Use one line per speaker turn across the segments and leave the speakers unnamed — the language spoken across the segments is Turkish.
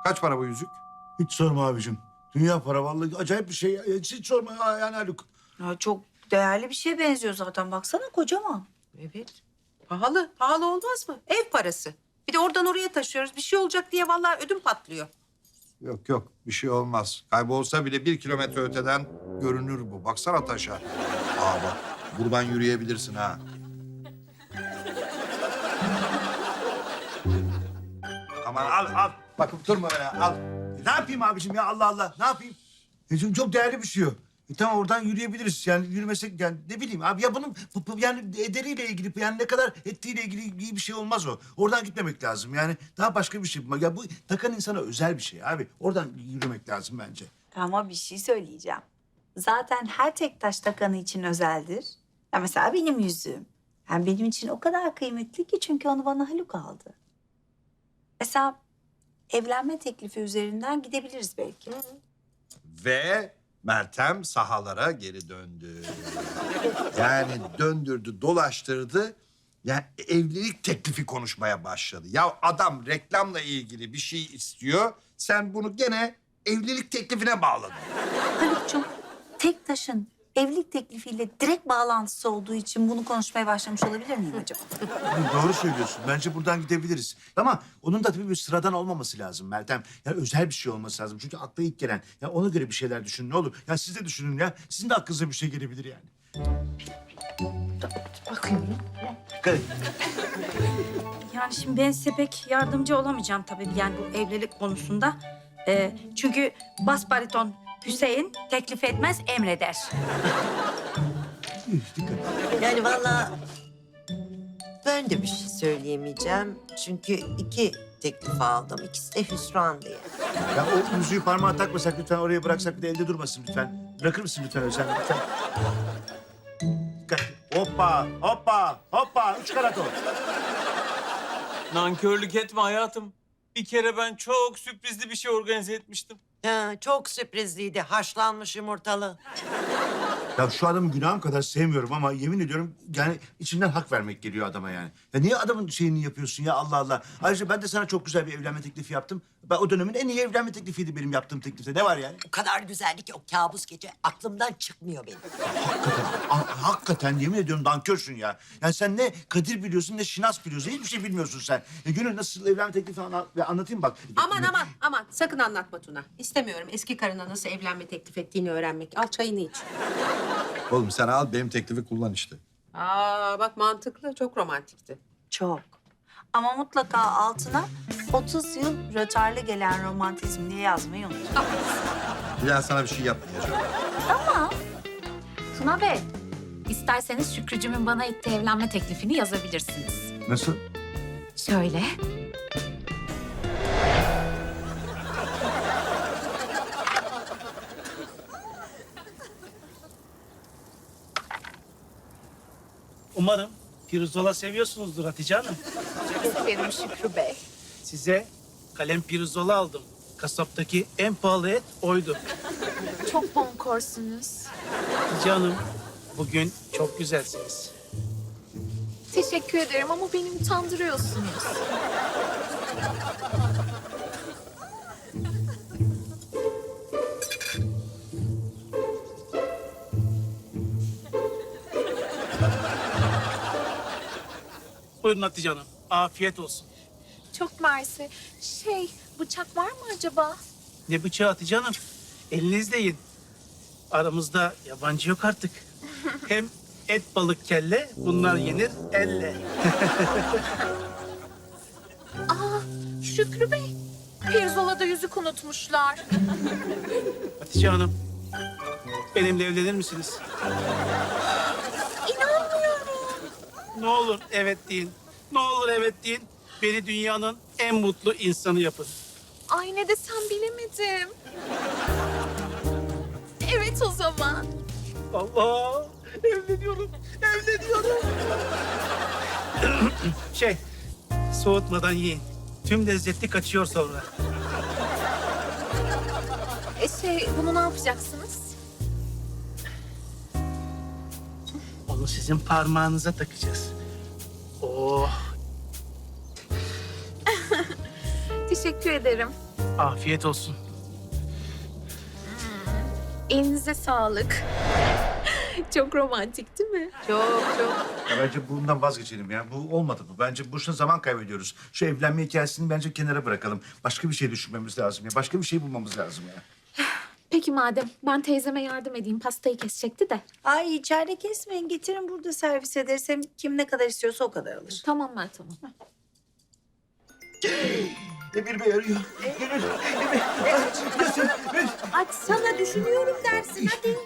Kaç para bu yüzük?
Hiç sorma abicim. Dünya para vallahi acayip bir şey. Hiç sorma yani Haluk.
Ya çok değerli bir şeye benziyor zaten. Baksana kocaman.
Evet. Pahalı. Pahalı olmaz mı? Ev parası. Bir de oradan oraya taşıyoruz. Bir şey olacak diye vallahi ödüm patlıyor.
Yok yok bir şey olmaz. Kaybolsa bile 1 kilometre öteden görünür bu. Baksana taşa. Aa bak buradan yürüyebilirsin ha. Aman al. Bakıp durma öyle al.
Ne yapayım abicim ya Allah Allah ne yapayım? Çünkü çok değerli bir şey o. Tamam oradan yürüyebiliriz yani yürümesek yani ne bileyim abi ya bunun yani ederiyle ilgili yani ne kadar ettiğiyle ilgili iyi bir şey olmaz o. Oradan gitmemek lazım yani daha başka bir şey. Ya bu takan insana özel bir şey abi. Oradan yürümek lazım bence.
Ama bir şey söyleyeceğim. Zaten her tek taş takanı için özeldir. Ya mesela benim yüzüğüm. Yani benim için o kadar kıymetli ki çünkü onu bana Haluk aldı. Mesela evlenme teklifi üzerinden gidebiliriz belki.
Ve Meltem sahalara geri döndü. Yani döndürdü, dolaştırdı. Yani evlilik teklifi konuşmaya başladı. Ya adam reklamla ilgili bir şey istiyor. Sen bunu gene evlilik teklifine bağladın.
Haluk'cum tek taşın evlilik teklifiyle direkt bağlantısı olduğu için bunu konuşmaya başlamış olabilir miyim acaba?
Doğru söylüyorsun. Bence buradan gidebiliriz. Ama onun da tabii bir sıradan olmaması lazım Meltem. Yani özel bir şey olması lazım. Çünkü akla ilk gelen. Ya ona göre bir şeyler düşünün ne olur. Ya siz de düşünün ya. Sizin de aklınıza bir şey gelebilir yani.
Bakıyorum.
Dikkat edin.
Yani şimdi ben size pek yardımcı olamayacağım tabii yani bu evlilik konusunda. Çünkü bas bariton Hüseyin teklif etmez emreder.
Dikkat edin.
Yani vallahi ben de bir şey söyleyemeyeceğim. Çünkü 2 teklif aldım. İkisi de hüsran diye.
Ya o yüzüğü parmağa takmasak lütfen oraya bıraksak bir de elde durmasın lütfen. Bırakır mısın lütfen Özlem lütfen? Dikkat. Hoppa. 3 karat o.
Nankörlük etme hayatım. Bir kere ben çok sürprizli bir şey organize etmiştim.
Ha, çok sürprizliydi. Haşlanmış yumurtalı.
Ya şu adamı günahım kadar sevmiyorum ama yemin ediyorum yani içimden hak vermek geliyor adama yani. Ya niye adamın şeyini yapıyorsun ya Allah Allah. Ayrıca ben de sana çok güzel bir evlenme teklifi yaptım. Ben o dönemin en iyi evlenme teklifiydi benim yaptığım teklifte. Ne var yani?
O kadar güzeldi ki o kabus gece aklımdan çıkmıyor benim.
Hakikaten yemin ediyorum nankörsün ya. Yani sen ne Kadir biliyorsun ne Şinas biliyorsun. Hiçbir şey bilmiyorsun sen. Gönül nasıl evlenme teklifi anlatayım bak.
Aman. Sakın anlatma Tuna. İstemiyorum eski karına nasıl evlenme teklif ettiğini öğrenmek. Al çayını iç.
Oğlum sen al benim teklifi kullan işte.
Aa bak mantıklı. Çok romantikti.
Çok. Ama mutlaka altına 30 yıl rötarlı gelen romantizm diye yazmayı unutma.
Bir daha sana bir şey yapmayacağım.
Tuna Bey, isterseniz Şükrücüm'ün bana ettiği evlenme teklifini yazabilirsiniz.
Nasıl?
Şöyle.
Umarım pirzola seviyorsunuzdur Hatice Hanım.
Benim Şükrü Bey.
Size kalem pirzola aldım. Kasaptaki en pahalı et oydu.
Çok bonkorsunuz.
Hatice Hanım, bugün çok güzelsiniz.
Teşekkür ederim ama beni utandırıyorsunuz.
Buyurun Hatice Hanım, afiyet olsun.
Çok mersi. Bıçak var mı acaba?
Ne bıçağı Hatice Hanım? Elinizle yiyin. Aramızda yabancı yok artık. Hem et, balık, kelle bunlar yenir elle.
Şükrü Bey, pirzolada yüzük unutmuşlar.
Hatice Hanım, benimle evlenir misiniz?
İnanmıyorum.
Ne olur evet deyin. Ne olur evet deyin. Beni dünyanın en mutlu insanı yapın.
Ay ne desem bilemedim. Evet o zaman.
Allah! Evleniyorum. Soğutmadan yiyin. Tüm lezzeti kaçıyor sonra.
Bunu ne yapacaksınız?
Onu sizin parmağınıza takacağız. Oh!
Teşekkür ederim.
Afiyet olsun.
Elinize sağlık. Çok romantik değil mi?
Çok çok.
Ya bence bundan vazgeçelim ya. Bu olmadı bu. Bence boşuna zaman kaybediyoruz. Şu evlenme hikayesini bence kenara bırakalım. Başka bir şey düşünmemiz lazım ya. Başka bir şey bulmamız lazım ya.
Peki madem ben teyzeme yardım edeyim. Pastayı kesecekti de.
Ay içeride kesmeyin. Getirin burada servis ederiz. Hem kim ne kadar istiyorsa o kadar alır.
Tamam Meltem Hanım.
Emir Bey arıyor.
Açsana düşünüyorum dersin hadi.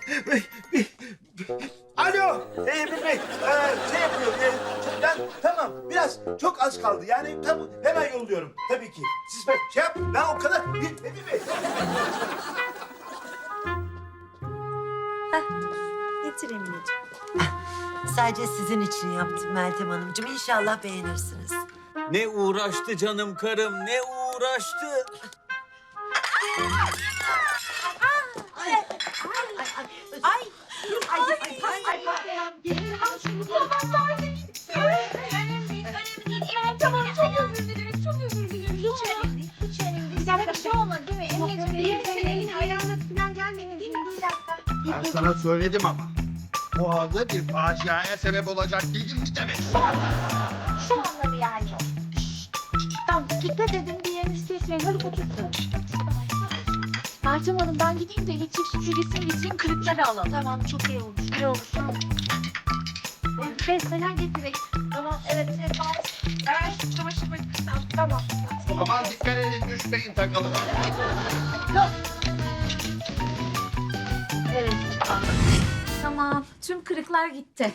Alo Emir Bey. Şey yapıyor. Tamam biraz çok az kaldı. Yani tamam hemen yolluyorum. Tabii ki. Siz şey yap. Ben o kadar. Emir Bey.
Getir Emineciğim.
Sadece sizin için yaptım Meltem Hanımcığım. İnşallah beğenirsiniz.
Ne uğraştı canım karım, ne uğraştı.
Tamam çok özür dileriz. Çok özür dileriz. Hiç önemli değil. Hiç önemli değil. Bir dakika bir şey olmadı değil mi? Emre'ciğim senin elin ayağına falan gelmedin değil mi? Bir dakika.
Ben sana söyledim ama. Boğazda bir faciaya sebep olacak değilim mi demek?
Şu anladı yani. Tamam dikkat edin bir yerinizi kesmeyin. Hadi otursun. Meltem Hanım ben gideyim de elektrik süpürgesini getireyim kırıkları alalım. Tamam çok iyi olur. İyi olur. Tamam. Besmeler getireyim. Tamam evet. Evet çamaşır makinesi. Tamam.
Aman dikkat edin düşmeyin takalım.
Evet.
Tamam. Tüm kırıklar gitti.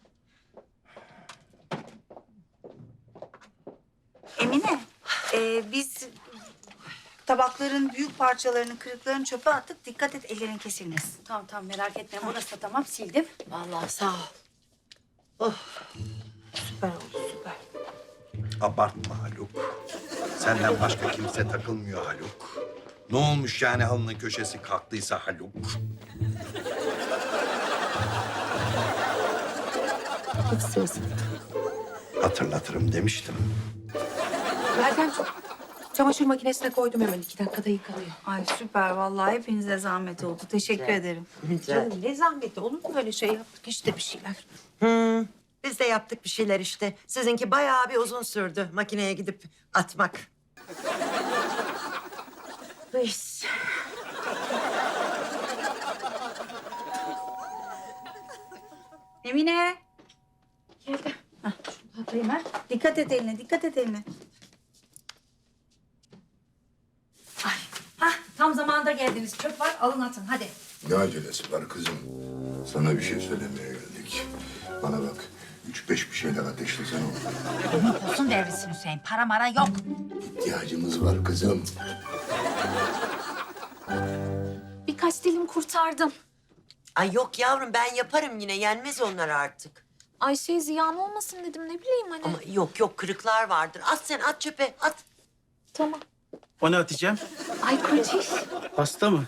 Emine, biz tabakların büyük parçalarını, kırıklarını çöpe attık. Dikkat et ellerin kesilmesin.
Tamam tamam merak etme. Burası da tamam sildim.
Vallahi sağ ol.
Süper oldu süper.
Abartma Haluk. Senden başka kimse takılmıyor Haluk. Ne olmuş yani halının köşesi kalktıysa Haluk? Hatırlatırım demiştim.
Meltem çamaşır makinesine koydum hemen 2 dakikada yıkanıyor.
Ay süper vallahi hepinize zahmet oldu. Teşekkür ederim.
Canım ne zahmeti olur mu öyle şey yaptık işte bir şeyler.
Biz de yaptık bir şeyler işte. Sizinki bayağı bir uzun sürdü makineye gidip atmak.
Neyse.
Emine. Geldi. Şunu atayım ha. Dikkat et eline, dikkat et eline.
Hah tam zamanında geldiniz. Çöp var alın atın hadi.
Ne acelesi var kızım? Sana bir şey söylemeye geldik. Bana bak, 3-5 bir şeyler ateşlesene oğlum.
Olsun devrisin Hüseyin. Para mara yok.
İhtiyacımız var kızım.
Birkaç dilim kurtardım.
Ay yok yavrum ben yaparım yine. Yenmez onlar artık.
Ay ziyan olmasın dedim ne bileyim hani.
Ama yok kırıklar vardır. At sen at çöpe at.
Tamam.
O ne Hatice'm?
Ay Kurtiş.
Pasta mı?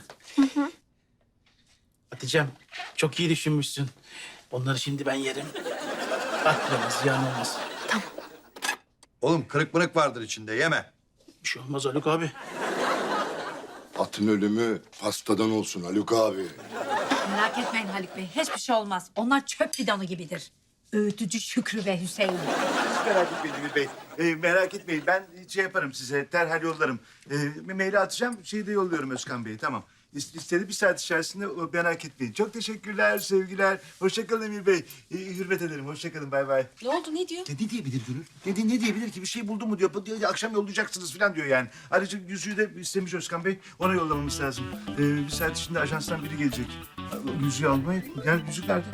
Hatice'm çok iyi düşünmüşsün. Onları şimdi ben yerim. At bana ziyan olmasın.
Oğlum kırık mırık vardır içinde yeme.
Bir şey olmaz Haluk abi.
Atın ölümü pastadan olsun Haluk abi.
Merak etmeyin Haluk Bey. Hiçbir şey olmaz. Onlar çöp bidonu gibidir. Öğütücü Şükrü ve Hüseyin.
Hiç merak etmeyin Emir Bey. Merak etmeyin. Ben şey yaparım size. Derhal yollarım. Maili atacağım. Şeyi de yolluyorum Özkan Bey'e. Tamam. İstedi bir saat içerisinde merak etmeyin. Çok teşekkürler, sevgiler. Hoşça kalın Emir Bey. Hürmet ederim. Hoşça kalın. Bay bay.
Ne oldu ne diyor?
Ne diyebilir Gönül? Ne diyebilir ki? Bir şey buldu mu diyor. Akşam yollayacaksınız falan diyor yani. Ayrıca yüzüğü de istemiş Özkan Bey. Ona yollamamız lazım. Bir saat içinde ajanstan biri gelecek. Yüzüğü almaya. Yani yüzük nerede?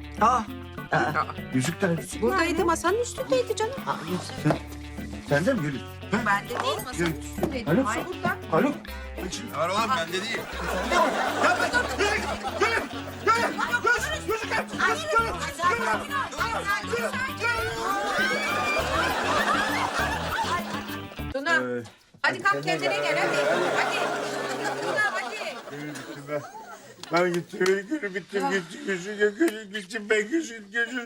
Yüzük nerede?
Buradaydı masanın üstündeydi canım.
Sende mi Gönül?
Bende değil masanın üstündeydi.
Haluk.
Ay burada.
Haluk.
Ne var oğlum bende değil.
Tuna hadi kalk kendine gel hadi. Hadi. Tuna hadi.
Ben gittim, gülüm bittim, gittim, gülüm gittim, ben gülüm.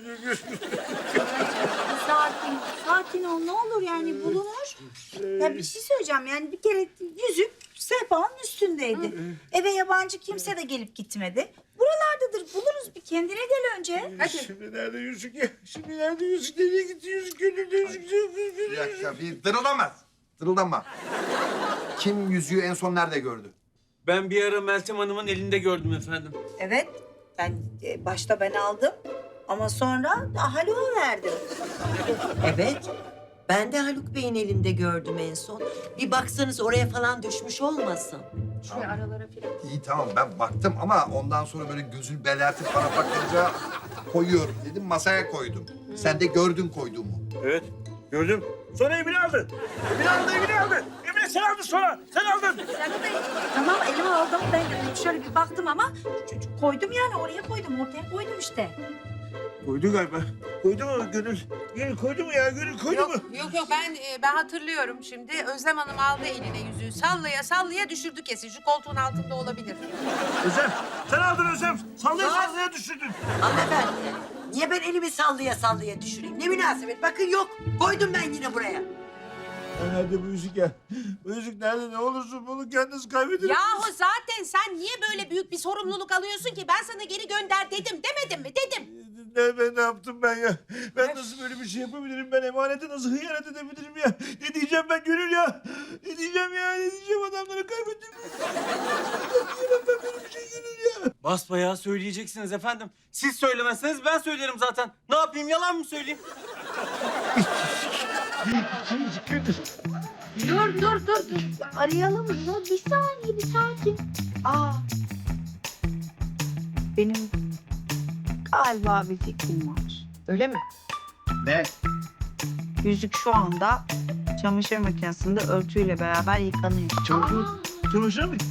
Sakin ol ne olur yani bulunur. Ya bir şey söyleyeceğim yani bir kere yüzük sehpanın üstündeydi. Eve yabancı kimse de gelip gitmedi. Buralardadır buluruz bir kendine gel önce. Hadi.
Şimdi nerede yüzük ya? Şimdi nerede yüzük? Nereye gitti yüzük? Gönlümde yüzük.
Bir dakika bir dırıldamaz. Dırıldama. Kim yüzüğü en son nerede gördü?
Ben bir ara Meltem Hanım'ın elinde gördüm efendim.
Evet başta ben aldım ama sonra Haluk'a verdim.
Evet. Ben de Haluk Bey'in elinde gördüm en son. Bir baksanız oraya falan düşmüş olmasın.
İyi tamam ben baktım ama ondan sonra böyle gözünü belertip bana bakınca koyuyorum dedim masaya koydum. Sen de gördün koyduğumu.
Evet, gördüm. Sonra Emine aldı. Emine aldı. Emine sen aldın sonra. Sen aldın.
Tamam elime aldım ben şöyle bir baktım ama koydum yani oraya koydum ortaya koydum işte.
Koydu galiba. Koydu mu Gönül? Gönül koydu mu ya? Gönül koydu mu?
Yok ben hatırlıyorum şimdi. Özlem Hanım aldı eline yüzüğü. Sallaya düşürdü kesin. Şu koltuğun altında olabilir.
Özlem, sen aldın Özlem. Sallaya düşürdün.
Hanımefendi, niye ben elimi sallaya düşüreyim? Ne münasebet? Bakın yok. Koydum ben yine buraya.
Nerede bu yüzük ya? Bu yüzük nerede? Ne olursun bunu kendiniz kaybedin.
Yahu zaten sen niye böyle büyük bir sorumluluk alıyorsun ki? Ben sana geri gönder dedim. Demedim mi? Dedim.
Ne yaptım ben ya? Ben nasıl böyle bir şey yapabilirim? Ben emanete nasıl hıyanet edebilirim ya? Ne diyeceğim ben Gönül ya? Ne diyeceğim ya? Ne diyeceğim adamları kaybettim? Ne diyeceğim ben böyle bir şey Gönül ya?
Basbayağı söyleyeceksiniz efendim. Siz söylemezseniz ben söylerim zaten. Ne yapayım yalan mı söyleyeyim?
Dur. Arayalım mı? Bir saniye, bir sakin.
Benim galiba bir fikrim var.
Öyle mi?
Ne?
Yüzük şu anda çamaşır makinesinde örtüyle beraber yıkanıyor.
Çamaşır mı?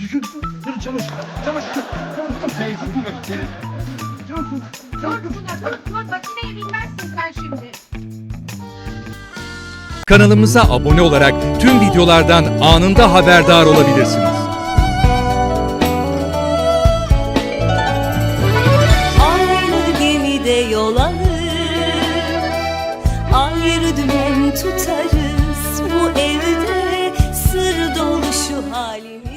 Dur, makineyi bilmezsin sen şimdi.
Kanalımıza abone olarak tüm videolardan anında haberdar olabilirsiniz.
Aynı gemide yol alır, ayrı dümen tutarız. Bu evde sır dolu şu halimiz.